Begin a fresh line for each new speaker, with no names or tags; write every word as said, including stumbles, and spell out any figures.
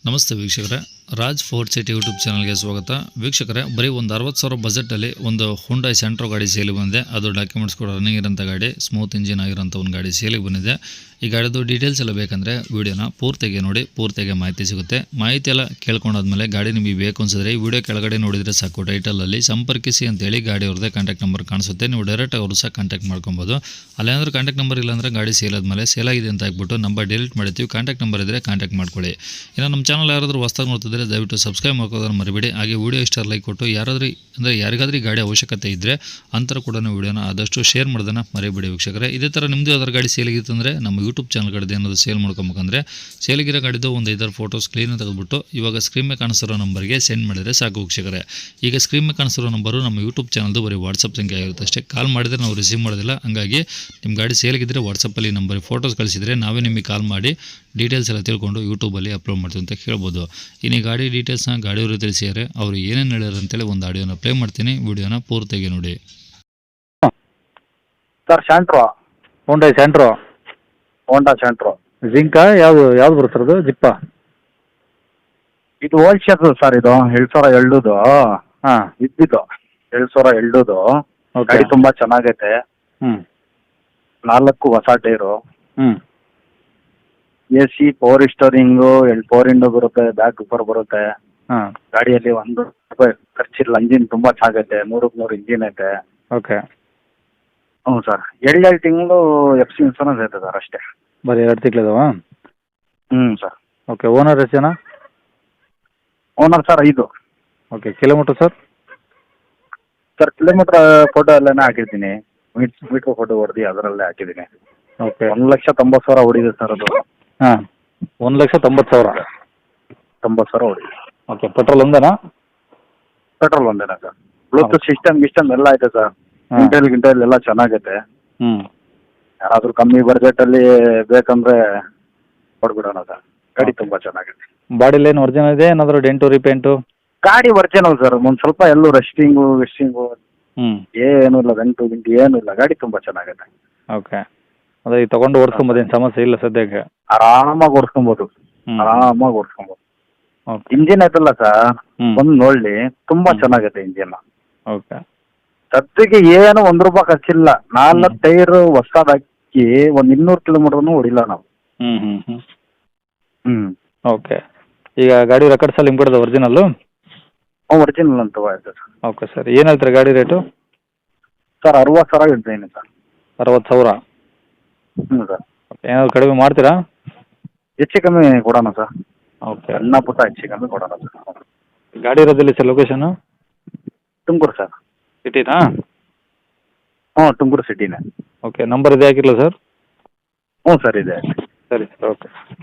ನಮಸ್ತೆ ವೀಕ್ಷಕರೇ, Raj fort city YouTube ಚಾನಲ್ಗೆ ಸ್ವಾಗತ. ವೀಕ್ಷಕರೇ, ಬರೀ ಒಂದು ಅರವತ್ತು ಸಾವಿರ ಬಜೆಟಲ್ಲಿ ಒಂದು ಹುಂಡೈ ಸೆಂಟ್ರೋ ಗಾಡಿ ಸೇಲಿಗೆ ಬಂದಿದೆ. ಅದು ಡಾಕ್ಯುಮೆಂಟ್ಸ್ ಕೂಡ ರನ್ನಿಂಗ್ ಇರೋಂಥ ಗಾಡಿ, ಸ್ಮೂತ್ ಇಂಜಿನ್ ಆಗಿರೋಂಥ ಒಂದು ಗಾಡಿ ಸೇಲಿಗೆ ಬಂದಿದೆ. ಈ ಗಾಡಿದು ಡೀಟೇಲ್ಸ್ ಎಲ್ಲ ಬೇಕಂದರೆ ವೀಡಿಯೋನ ಪೂರ್ತಿಗೆ ನೋಡಿ, ಪೂರ್ತಿಗೆ ಮಾಹಿತಿ ಸಿಗುತ್ತೆ. ಮಾಹಿತಿ ಎಲ್ಲ ಕೇಳ್ಕೊಂಡಾದ್ಮೇಲೆ ಗಾಡಿ ನಿಮಗೆ ಬೇಕು ಅನ್ಸಿದ್ರೆ ಈ ವಿಡಿಯೋ ಕೆಳಗಡೆ ನೋಡಿದರೆ ಸಾಕು, ಟೈಟಲಲ್ಲಿ ಸಂಪರ್ಕಿಸಿ ಅಂತೇಳಿ ಗಾಡಿ ಅವ್ರದ್ದೇ ಕಾಂಟ್ಯಾಕ್ಟ್ ನಂಬರ್ ಕಾಣಿಸುತ್ತೆ. ನೀವು ಡೈರೆಕ್ಟ್ ಅವರು ಸಹ ಕಾಂಟ್ಯಾಕ್ಟ್ ಮಾಡ್ಕೊಬೋದು. ಅಲ್ಲೇನಾದ್ರೂ ಕಾಂಟ್ಯಾಕ್ಟ್ ನಂಬರ್ ಇಲ್ಲಾಂದರೆ ಗಾಡಿ ಸೇಲ್ ಆದಮೇಲೆ ಸೇಲ್ ಆಗಿದೆ ಅಂತ ಹಾಕ್ಬಿಟ್ಟು ನಂಬರ್ ಡಿಲೀಟ್ ಮಾಡ್ತೀವಿ. ಕಾಂಟ್ಯಾಕ್ಟ್ ನಂಬರ್ ಇದ್ದರೆ ಕಾಂಟ್ಯಾಕ್ಟ್ ಮಾಡ್ಕೊಳ್ಳಿ. ಇನ್ನು ನಮ್ಮ ಚಾನಲ್ ಯಾರಾದರೂ ಹೊಸದಾಗಿ ನೋಡ್ತಿದ್ರೆ ದಯವಿಟ್ಟು ಸಬ್ಸ್ಕ್ರೈಬ್ ಮಾಡ್ಕೋದನ್ನು ಮರಿಬೇಡಿ. ಹಾಗೆ ವಿಡಿಯೋ ಇಷ್ಟ ಲೈಕ್ ಕೊಟ್ಟು ಯಾರಾದ್ರೂ ಅಂದರೆ ಯಾರಿಗಾದ್ರೂ ಗಾಡಿ ಅವಶ್ಯಕತೆ ಇದ್ದರೆ ಅಂತರ ಕೂಡ ವಿಡಿಯೋನ ಆದಷ್ಟು ಶೇರ್ ಮಾಡೋದನ್ನು ಮರಿಬೇಡಿ ವೀಕ್ಷಕರೇ. ಇದೇ ಥರ ನಿಮ್ಮದು ಯಾವ್ದಾರು ಗಾಡಿ ಸೇಲಿಗಿತ್ತಂದರೆ ನಮ್ಮ ಯೂಟ್ಯೂಬ್ ಚಾನಲ್ ಕಡೆ ಏನಾದರೂ ಸೇಲ್ ಮಾಡ್ಕೊಬೇಕಂದ್ರೆ ಸೇಲಿಗಿರೋ ಗಾಡಿದು ಒಂದು ಐದಾರು ಫೋಟೋಸ್ ಕ್ಲೀನ್ ತೆಗೆದುಬಿಟ್ಟು ಇವಾಗ ಸ್ಕ್ರೀನ್ ಮೇಲೆ ಕಾಣಿಸಿರೋ ನಂಬರ್ಗೆ ಸೆಂಡ್ ಮಾಡಿದರೆ ಸಾಕು ವೀಕ್ಷಕರೇ. ಈಗ ಸ್ಕ್ರೀನ್ ಮೇಲೆ ಕಾಣಿಸಿರೋ ನಂಬರು ನಮ್ಮ ಯೂಟ್ಯೂಬ್ ಚಾನಲ್ದು ಬರೀ ವಾಟ್ಸಪ್ ಸಂಖ್ಯೆ ಆಗಿರುತ್ತೆ ಅಷ್ಟೇ. ಕಾಲ್ ಮಾಡಿದರೆ ನಾವು ರಿಸೀವ್ ಮಾಡೋದಿಲ್ಲ. ಹಂಗಾಗಿ ನಿಮ್ಮ ಗಾಡಿ ಸೇಲಿಗಿದ್ದರೆ ವಾಟ್ಸಪ್ಪಲ್ಲಿ ನಂಬರಿಗೆ ಫೋಟೋಸ್ ಕಳಿಸಿದರೆ ನಾವೇ ನಿಮಗೆ ಕಾಲ್ ಮಾಡಿ ಡೀಟೇಲ್ಸ್ ಎಲ್ಲ ತಿಳ್ಕೊಂಡು ಯೂಟ್ಯೂಬಲ್ಲಿ ಅಪ್ಲೋಡ್ ಮಾಡ್ತೀವಿ ಅಂತ ಕೇಳ್ಬೋದು. ಇನ್ನು ಈ ಗಾಡಿ ಡೀಟೇಲ್ಸ್ನ ಗಾಡಿಯವರು ತಿಳಿಸಿದ್ದಾರೆ, ಅವರು ಏನೇನು ಹೇಳ್ಯಾರ ಅಂತೇಳಿ ಒಂದು ಆಡಿಯೋನ ಪ್ಲೇ ಮಾಡ್ತೀನಿ. ವಿಡಿಯೋನ ಪೂರ್ತಿಯಾಗಿ ನೋಡಿ.
Sir Santro,
Honda Santro,
Honda Santro.
ಜಿಂಕಾ ಯಾವುದು ಯಾವ್ದು ಬರುತ್ತೆ ಅದು? ಜಿಪ್ಪಾ?
ಇದು ಹೋಲ್ಸೇಲ್ ಸರ್. ಇದು ಎರಡು ಸಾವಿರ ಎಳ್ಳುದು
ಹಾಂ,
ಇದ್ದಿದ್ದು ಎರಡು ಸಾವಿರ ಎಳ್ಳುದು
ಓಕೆ.
ಗಾಡಿ ತುಂಬಾ ಚೆನ್ನಾಗೈತೆ.
ಹ್ಞೂ
ನಾಲ್ಕು ಹೊಸ ಟೈರು,
ಹ್ಞೂ
ಎ ಸಿ, ಪವರ್ ಸ್ಟೋರಿಂಗು, ಎಲ್ ಪವರ್ ವಿಂಡೋ ಬರುತ್ತೆ, ಬ್ಯಾಕ್ ಉಪರ್ ಬರುತ್ತೆ.
ಹಾಂ,
ಗಾಡಿಯಲ್ಲಿ ಒಂದು ರೂಪಾಯಿ ಖರ್ಚಿಲ್ಲ. ಇಂಜಿನ್ ತುಂಬಾ ಚೆನ್ನಾಗೈತೆ, ನೂರಕ್ಕೆ ನೂರು ಇಂಜಿನ್ ಐತೆ.
ಓಕೆ.
ಹ್ಞೂ ಸರ್. ಎರಡು ಎರಡು ತಿಂಗಳು ಎಫ್ ಸಿ ಇನ್ಸೂರೆನ್ಸ್ ಐತೆ ಸರ್ ಅಷ್ಟೇ.
ಬರೀ ಎರಡು ತಿಂಗಳಿದಾವ?
ಹ್ಞೂ ಸರ್.
ಓಕೆ. ಓನರ್ ಎಷ್ಟು ಜನ?
ಓನರ್ ಸರ್ ಐದು.
Okay. Kilometre sir?
Sir kilometre photo ಎಲ್ಲನೇ ಹಾಕಿರ್ತೀನಿ. ಮೀಟ್ ಮೀಟ್ರ್ ಫೋಟೋ ಹೊಡೆದು ಅದರಲ್ಲೇ ಹಾಕಿದ್ದೀನಿ.
ಓಕೆ.
ಒಂದು ಲಕ್ಷ ತೊಂಬತ್ತು ಸಾವಿರ ಹೊಡಿದೆ ಸರ್ ಅದು.
ಹಾಂ, ಒಂದು ಲಕ್ಷ ತೊಂಬತ್ತು ಸಾವಿರ
ತೊಂಬತ್ತು ಸಾವಿರ ಹೊಡಿದೆ.
ಓಕೆ. ಪೆಟ್ರೋಲ್ ಒಂದೇನಾ?
ಪೆಟ್ರೋಲ್ ಒಂದೇನಾ ಸರ್? ಬ್ಲೂಟೂತ್ ಸಿಸ್ಟಮ್ ಗಿಸ್ಟಮ್ ಎಲ್ಲ ಐತೆ ಸರ್.
ಹಾಂ.
ಇಂಟೆಲ್ ಗಿಂಟೆಲ್ ಎಲ್ಲ ಚೆನ್ನಾಗೈತೆ.
ಹ್ಞೂ
ಯಾರಾದರೂ ಕಮ್ಮಿ ಬಜೆಟಲ್ಲಿ ಬೇಕಂದ್ರೆ ಕೊಡ್ಬಿಡೋಣ ಸರ್. ಗಾಡಿ ತುಂಬ ಚೆನ್ನಾಗೈತೆ.
ಬಾಡಿಲಿ ಏನು ಒರಿಜಿನಲ್ ಇದೆ, ಏನಾದರೂ ಡೆಂಟು ರಿಪೇಂಟು?
ಗಾಡಿ ಒರಿಜಿನಲ್ ಸರ್. ಒಂದು ಸ್ವಲ್ಪ ಎಲ್ಲೂ ರೆಸ್ಟಿಂಗು ವೆಸ್ಟಿಂಗು
ಹ್ಞೂ
ಏನೂ ಇಲ್ಲ, ಗಂಟು ಗಿಂಟು ಏನೂ ಇಲ್ಲ. ಗಾಡಿ ತುಂಬ ಚೆನ್ನಾಗೈತೆ.
ಓಕೆ. ಅದೇ ಈಗ ತೊಗೊಂಡು ಓಡಿಸ್ಕೊಂಬೋದೇನು ಸಮಸ್ಯೆ ಇಲ್ಲ ಸದ್ಯಕ್ಕೆ?
ಆರಾಮಾಗಿ ಓಡಿಸ್ಕೊಬೋದು,
ಹ್ಞೂ
ಆರಾಮಾಗಿ ಓಡಿಸ್ಕೊಬೋದು.
ಓಕೆ.
ಇಂಜಿನ್ ಐತಲ್ಲ ಸರ್,
ಹ್ಞೂ
ಒಂದು ನೋಡಲಿ, ತುಂಬ ಚೆನ್ನಾಗೈತೆ ಇಂಜಿನ್.
ಓಕೆ.
ಸದ್ಯಕ್ಕೆ ಏನು ಒಂದು ರೂಪಾಯಿ ಖರ್ಚಿಲ್ಲ. ನಾಲ್ಕು ಟೈರು ಹೊಸದಾಗಿ ಹಾಕಿ ಒಂದು ಇನ್ನೂರು ಕಿಲೋಮೀಟರ್ನು ಹೊಡಿಲ್ಲ ನಾವು.
ಹ್ಞೂ ಹ್ಞೂ ಹ್ಞೂ
ಹ್ಞೂ
ಓಕೆ. ಈಗ ಗಾಡಿ ರೆಕಾರ್ಡ್ಸಲ್ಲಿ ನಿಮ್ಗೆ ಒರಿಜಿನಲ್ಲು?
ಒರಿಜಿನಲ್ ಅಂತ ಆಯ್ತು ಸರ್.
Okay sir. ಏನು ಹೇಳ್ತೀರಾ ಗಾಡಿ ರೇಟು?
ಸರ್ ಅರವತ್ತು ಸಾವಿರ ಇಡ್ತೀನಿ ಸರ್.
ಅರವತ್ತು ಸಾವಿರ?
ಹ್ಞೂ ಸರ್.
ಓಕೆ. ಏನಾದರೂ ಕಡಿಮೆ ಮಾಡ್ತೀರಾ?
ಹೆಚ್ಚು ಕಮ್ಮಿ ಕೊಡೋಣ ಸರ್.
ಓಕೆ.
ಸಣ್ಣ ಪುಟ್ಟ ಹೆಚ್ಚು ಕಮ್ಮಿ ಕೊಡೋಣ ಸರ್.
ಗಾಡಿ ಇರೋದಿಲ್ಲ ಸರ್ ಲೊಕೇಶನು?
ತುಮಕೂರು ಸರ್.
ಸಿಟಿನಾ?
ಹ್ಞೂ ತುಮಕೂರು ಸಿಟಿನೇ.
ಓಕೆ. ನಂಬರ್ ಇದೆ ಹಾಕಿರಲ್ಲ ಸರ್?
ಹ್ಞೂ ಸರ್ ಇದೆ.
ಸರಿ ಸರ್. ಓಕೆ.